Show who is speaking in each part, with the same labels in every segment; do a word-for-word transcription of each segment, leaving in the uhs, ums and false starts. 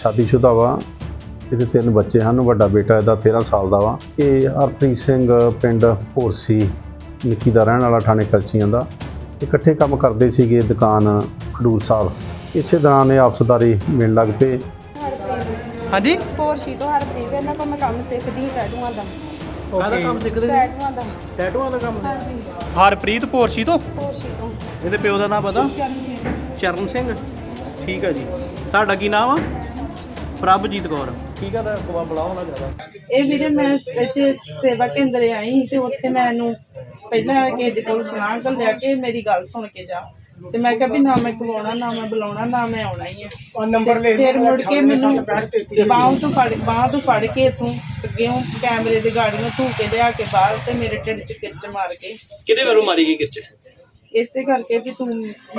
Speaker 1: शादीशुदा वा। ਇਹਦੇ ਤਿੰਨ ਬੱਚੇ ਹਨ। ਵੱਡਾ ਬੇਟਾ ਇਹਦਾ ਤੇਰਾਂ ਸਾਲ ਦਾ ਵਾ। ਇਹ ਹਰਪ੍ਰੀਤ ਸਿੰਘ ਪਿੰਡ ਭੋਰਸੀ ਨਿੱਕੀ ਦਾ ਰਹਿਣ ਵਾਲਾ ਥਾਣੇ ਕਲਚੀਆਂ ਦਾ। ਇਕੱਠੇ ਕੰਮ ਕਰਦੇ ਸੀਗੇ ਦੁਕਾਨ ਖਡੂਰ ਸਾਹਿਬ। ਇਸੇ ਦੌਰਾਨ ਇਹ ਆਪਸਦਾਰੀ ਮਿਲਣ ਲੱਗ ਪਏ।
Speaker 2: हाँ जी
Speaker 3: ਭੋਰਸੀ ਤੋਂ ਹਰਪ੍ਰੀਤ ਇਹਨਾਂ ਕੋਲ ਮੈਂ ਕੰਮ ਸਿੱਖਦੀ ਟੈਟੂਆਂ ਦਾ।
Speaker 2: ਕਾਹਦਾ ਕੰਮ ਸਿੱਖਦੇ ਸੀ?
Speaker 3: ਟੈਟੂਆਂ ਦਾ।
Speaker 2: ਟੈਟੂਆਂ ਦਾ ਕੰਮ?
Speaker 3: ਹਾਂਜੀ
Speaker 2: ਹਰਪ੍ਰੀਤ ਭੋਰਸੀ ਤੋਂ।
Speaker 3: ਭੋਰਸੀ ਤੋਂ।
Speaker 2: ਇਹਦੇ ਪਿਓ ਦਾ ਨਾਮ ਪਤਾ?
Speaker 3: ਚਰਨ ਸਿੰਘ।
Speaker 2: ਚਰਨ ਸਿੰਘ। ਠੀਕ ਹੈ ਜੀ। ਤੁਹਾਡਾ ਕੀ ਨਾਮ ਆ? ਪ੍ਰਭਜੀਤ ਕੌਰ। ਠੀਕ ਹੈ ਤਾਂ ਗਵਾ ਬੁਲਾਓ ਨਾ ਜ਼ਿਆਦਾ।
Speaker 3: ਇਹ ਵੀਰੇ ਮੈਂ ਇੱਥੇ ਸੇਵਾ ਕੇਂਦਰ ਆਈ ਤੇ ਉੱਥੇ ਮੈਨੂੰ ਪਹਿਲਾਂ ਕਿਸੇ ਦੇ ਕੋਲ ਸੁਣਾ ਕਰ ਲਿਆ ਕਿ ਮੇਰੀ ਗੱਲ ਸੁਣ ਕੇ ਜਾ। ਤੇ ਮੈਂ ਕਿਹਾ ਵੀ ਨਾ ਮੈਂ ਕਵਾਉਣਾ ਨਾ ਮੈਂ ਬੁਲਾਉਣਾ ਨਾ ਮੈਂ ਆਉਣਾ ਹੀ ਹੈ। ਫਿਰ ਮੁੜ ਕੇ ਮੈਨੂੰ ਬਾਹਾਂ ਤੋਂ ਫੜ ਬਾਹਾਂ ਤੋਂ ਫੜ ਕੇ ਇੱਥੋਂ ਅੱਗੇੋਂ ਕੈਮਰੇ ਦੀ ਗਾੜੀ ਨੂੰ ਧੂ ਕੇ ਲਿਆ ਕੇ ਬਾਹਰ ਤੇ ਮੇਰੇ ਢਿੱਡ 'ਚ ਕਿਰਚ ਮਾਰ ਕੇ।
Speaker 2: ਕਿਹਦੇ ਵੱਲੋਂ ਮਾਰੀ ਗਈ ਕਿਰਚ?
Speaker 3: ਇਸੇ ਕਰਕੇ ਵੀ ਤੂੰ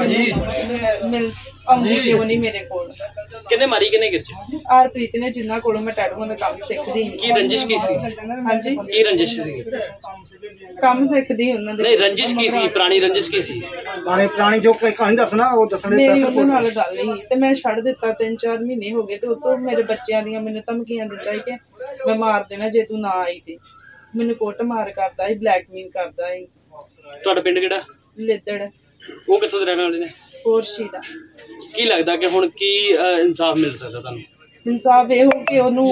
Speaker 3: ਮਿਲ ਆਉਂਦੀ ਕਿਉਂ ਨਹੀਂ ਮੇਰੇ ਕੋਲ।
Speaker 2: ਕਿਹਨੇ ਮਾਰੀ ਕਿਹਨੇ ਕਿਰਚ?
Speaker 3: ਹਰਪ੍ਰੀਤ ਨੇ ਜਿੰਨਾ ਕੋਲੋਂ ਮੈਂ ਟੈਟੂਆਂ ਦਾ ਕੰਮ ਸਿੱਖਦੀ
Speaker 2: ਕੀ ਰੰਜਿਸ਼ ਕੀ ਸੀ?
Speaker 3: ਹਾਂਜੀ
Speaker 2: ਕੀ ਰੰਜਿਸ਼ ਸੀ?
Speaker 3: ਕੰਮ ਸਿੱਖਦੀ ਉਹਨਾਂ ਦੇ।
Speaker 2: ਨਹੀਂ ਰੰਜਿਸ਼ ਕੀ ਸੀ? ਪੁਰਾਣੀ ਰੰਜਿਸ਼ ਕੀ ਸੀ?
Speaker 4: ਪੁਰਾਣੀ ਪੁਰਾਣੀ ਜੋ ਕੋਈ ਕਹਾਣੀ ਦੱਸਣਾ ਉਹ ਦੱਸਣੇ
Speaker 3: ਮੇਰੀ ਉਹਨਾਂ ਨਾਲ ਗੱਲ ਨਹੀਂ ਤੇ ਮੈਂ ਛੱਡ ਦਿੱਤਾ। ਤਿੰਨ ਚਾਰ ਮਹੀਨੇ ਹੋ ਗਏ ਤੇ ਉਤੋਂ ਮੇਰੇ ਬੱਚਿਆਂ ਦੀਆਂ ਮੈਨੂੰ ਧਮਕੀਆਂ ਦਿੰਦਾ ਸੀ ਕਿ ਮੈਂ ਮਾਰ ਦੇਣਾ ਜੇ ਤੂੰ ਨਾ ਆਈ ਤੇ। ਮੈਨੂੰ ਕੁੱਟ ਮਾਰ ਕਰਦਾ ਸੀ, ਬਲੈਕਮੇਲ ਕਰਦਾ ਸੀ।
Speaker 2: ਤੁਹਾਡਾ ਪਿੰਡ ਕਿਹੜਾ?
Speaker 3: ਲਿੱਦੜ।
Speaker 2: ਉਹ ਕਿੱਥੋਂ ਦੇ ਰਹਿਣ ਵਾਲੇ ਨੇ?
Speaker 3: ਭੋਰਸੀ ਦਾ।
Speaker 2: ਕੀ ਲੱਗਦਾ ਕਿ ਹੁਣ ਕੀ ਇਨਸਾਫ ਮਿਲ ਸਕਦਾ ਤੁਹਾਨੂੰ?
Speaker 3: ਇਨਸਾਫ ਇਹੋ ਕਿ ਉਹਨੂੰ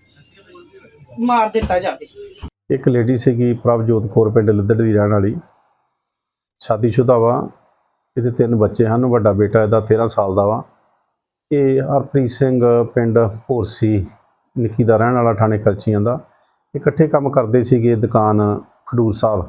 Speaker 3: ਮਾਰ ਦਿੱਤਾ ਜਾਵੇ।
Speaker 1: ਇੱਕ ਲੇਡੀ ਸੀਗੀ ਪ੍ਰਭਜੋਤ ਕੌਰ ਪਿੰਡ ਲਿੱਦੜ ਦੀ ਰਹਿਣ ਵਾਲੀ। ਸ਼ਾਦੀशुदा ਵਾ। ਇਹਦੇ ਤਿੰਨ ਬੱਚੇ ਹਨ। ਵੱਡਾ ਬੇਟਾ ਇਹਦਾ ਤੇਰਾਂ ਸਾਲ ਦਾ ਵਾ। ਇਹ ਹਰਪ੍ਰੀਤ ਸਿੰਘ ਪਿੰਡ ਭੋਰਸੀ ਨਿੱਕੀ ਦਾ ਰਹਿਣ ਵਾਲਾ ਥਾਣੇ ਕਲਚੀਆਂ ਦਾ। ਇਕੱਠੇ ਕੰਮ ਕਰਦੇ ਸੀਗੇ ਦੁਕਾਨ ਖਡੂਰ ਸਾਹਿਬ।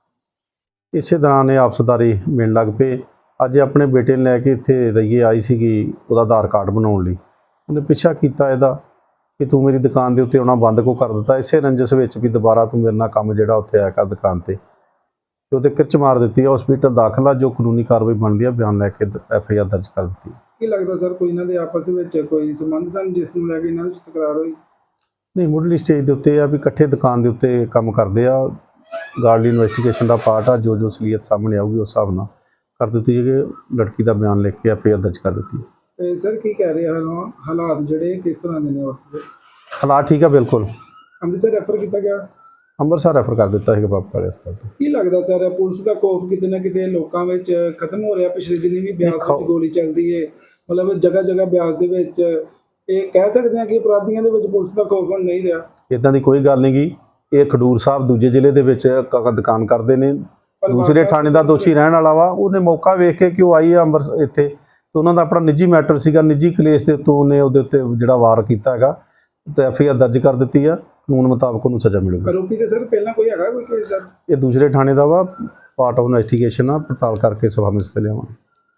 Speaker 1: ਇਸੇ ਦੌਰਾਨ ਇਹ ਆਪਸਦਾਰੀ ਮਿਲਣ ਲੱਗ ਪਏ। ਅੱਜ ਆਪਣੇ ਬੇਟੇ ਨੂੰ ਲੈ ਕੇ ਇੱਥੇ ਰਈਏ ਆਈ ਸੀਗੀ ਉਹਦਾ ਆਧਾਰ ਕਾਰਡ ਬਣਾਉਣ ਲਈ। ਉਹਨੇ ਪਿੱਛਾ ਕੀਤਾ ਇਹਦਾ ਕਿ ਤੂੰ ਮੇਰੀ ਦੁਕਾਨ ਦੇ ਉੱਤੇ ਆਉਣਾ ਬੰਦ ਕਿਉਂ ਕਰ ਦਿੱਤਾ। ਇਸੇ ਰੰਜਿਸ਼ ਵਿੱਚ ਵੀ ਦੁਬਾਰਾ ਤੂੰ ਮੇਰੇ ਨਾਲ ਕੰਮ ਜਿਹੜਾ ਉੱਥੇ ਆਇਆ ਕਰ ਦੁਕਾਨ 'ਤੇ। ਤੇ ਉਹਦੇ ਕਿਰਚ ਮਾਰ ਦਿੱਤੀ ਹੈ। ਹਸਪੀਟਲ ਦਾਖਲਾ ਜੋ ਕਾਨੂੰਨੀ ਕਾਰਵਾਈ ਬਣਦੀ ਆ ਬਿਆਨ ਲੈ ਕੇ ਐਫ ਆਈ ਆਰ ਦਰਜ ਕਰ ਦਿੱਤੀ।
Speaker 4: ਕੀ ਲੱਗਦਾ ਸਰ ਕੋਈ ਇਹਨਾਂ ਦੇ ਆਪਸ ਵਿੱਚ ਕੋਈ ਸੰਬੰਧ ਸਨ ਜਿਸ ਨੂੰ ਲੈ ਕੇ ਇਹਨਾਂ ਵਿੱਚ ਤਕਰਾਰ ਹੋਈ?
Speaker 1: ਨਹੀਂ ਮੁੱਢਲੀ ਸਟੇਜ ਦੇ ਉੱਤੇ ਆ ਵੀ ਇਕੱਠੇ ਦੁਕਾਨ ਦੇ ਉੱਤੇ ਕੰਮ ਕਰਦੇ ਆ। ਗਾਰਡਲੀ ਇਨਵੈਸਟੀਗੇਸ਼ਨ ਦਾ ਪਾਰਟ ਆ। ਜੋ ਜੋ ਅਸਲੀਅਤ ਸਾਹਮਣੇ ਆਊਗੀ ਉਸ ਹਿਸਾਬ ਨਾਲ ਕਰ ਦਿੱਤੀ ਹੈ ਕਿ ਲੜਕੀ ਦਾ ਬਿਆਨ ਲਿਖ ਕੇ ਐਫ ਆਈ ਆਰ ਦਰਜ ਕਰ ਦਿੱਤੀ।
Speaker 4: ਤੇ ਸਰ ਕੀ ਕਹਿ ਰਹੇ ਹਨ ਹਾਲਾਤ ਜਿਹੜੇ ਕਿਸ ਤਰ੍ਹਾਂ ਦੇ ਨੇ ਵਕਤ?
Speaker 1: ਹਾਲਾਤ ਠੀਕ ਆ ਬਿਲਕੁਲ।
Speaker 4: ਅੰਮ੍ਰਿਤਸਰ ਰੈਫਰ ਕੀਤਾ ਗਿਆ?
Speaker 1: ਅੰਮ੍ਰਿਤਸਰ ਰੈਫਰ ਕਰ ਦਿੱਤਾ ਸੀਗਾ ਬਾਪੂ ਵਾਲੇ ਹਸਪਤਾਲ ਤੋਂ।
Speaker 4: ਕੀ ਲੱਗਦਾ ਸਰ ਪੁਲਿਸ ਦਾ ਖੌਫ ਕਿਤੇ ਨਾ ਕਿਤੇ ਲੋਕਾਂ ਵਿੱਚ ਖਤਮ ਹੋ ਰਿਹਾ? ਪਿਛਲੇ ਦਿਨੀ ਵੀ ਬਿਆਸ ਵਿੱਚ ਗੋਲੀ ਚੱਲਦੀ ਹੈ। ਮਤਲਬ ਜਗ੍ਹਾ ਜਗ੍ਹਾ ਬਿਆਸ ਦੇ ਵਿੱਚ ਇਹ ਕਹਿ ਸਕਦੇ ਹਾਂ ਕਿ ਅਪਰਾਧੀਆਂ ਦੇ ਵਿੱਚ ਪੁਲਿਸ ਦਾ ਖੌਫ ਹੁਣ ਨਹੀਂ ਰਿਹਾ।
Speaker 1: ਇੱਦਾਂ ਦੀ ਕੋਈ ਗੱਲ ਨਹੀਂ ਗੀ। ਇਹ ਖਡੂਰ ਸਾਹਿਬ ਦੂਜੇ ਜ਼ਿਲ੍ਹੇ ਦੇ ਵਿੱਚ ਕ- ਦੁਕਾਨ ਕਰਦੇ ਨੇ। ਦੂਸਰੇ ਥਾਣੇ ਦਾ ਦੋਸ਼ੀ ਰਹਿਣ ਵਾਲਾ ਵਾ। ਉਹਨੇ ਮੌਕਾ ਵੇਖ ਕੇ ਕਿ ਉਹ ਆਈ ਆ ਅੰਮ੍ਰਿਤਸਰ ਇੱਥੇ ਤੇ ਉਹਨਾਂ ਦਾ ਆਪਣਾ ਨਿੱਜੀ ਮੈਟਰ ਸੀਗਾ। ਨਿੱਜੀ ਕਲੇਸ਼ ਦੇ ਉੱਤੋਂ ਉਹਨੇ ਉਹਦੇ ਉੱਤੇ ਜਿਹੜਾ ਵਾਰ ਕੀਤਾ ਹੈਗਾ ਤੇ ਐਫ ਆਈ ਆਰ ਦਰਜ ਕਰ ਦਿੱਤੀ ਆ। ਕਾਨੂੰਨ ਮੁਤਾਬਕ ਉਹਨੂੰ ਸਜ਼ਾ ਮਿਲੂਗੀ।
Speaker 4: ਆਰੋਪੀ ਤੇ ਸਰ ਪਹਿਲਾਂ ਕੋਈ ਹੈਗਾ ਕੋਈ ਕੇਸ ਦਰਜ?
Speaker 1: ਇਹ ਦੂਸਰੇ ਥਾਣੇ ਦਾ ਵਾ। ਪਾਰਟ ਆਫ ਇਨਵੈਸਟੀਗੇਸ਼ਨ ਆ। ਪੜਤਾਲ ਕਰਕੇ ਸਭਾ ਮਿਸ ਤੇ ਲਿਆਵਾਂਗੇ।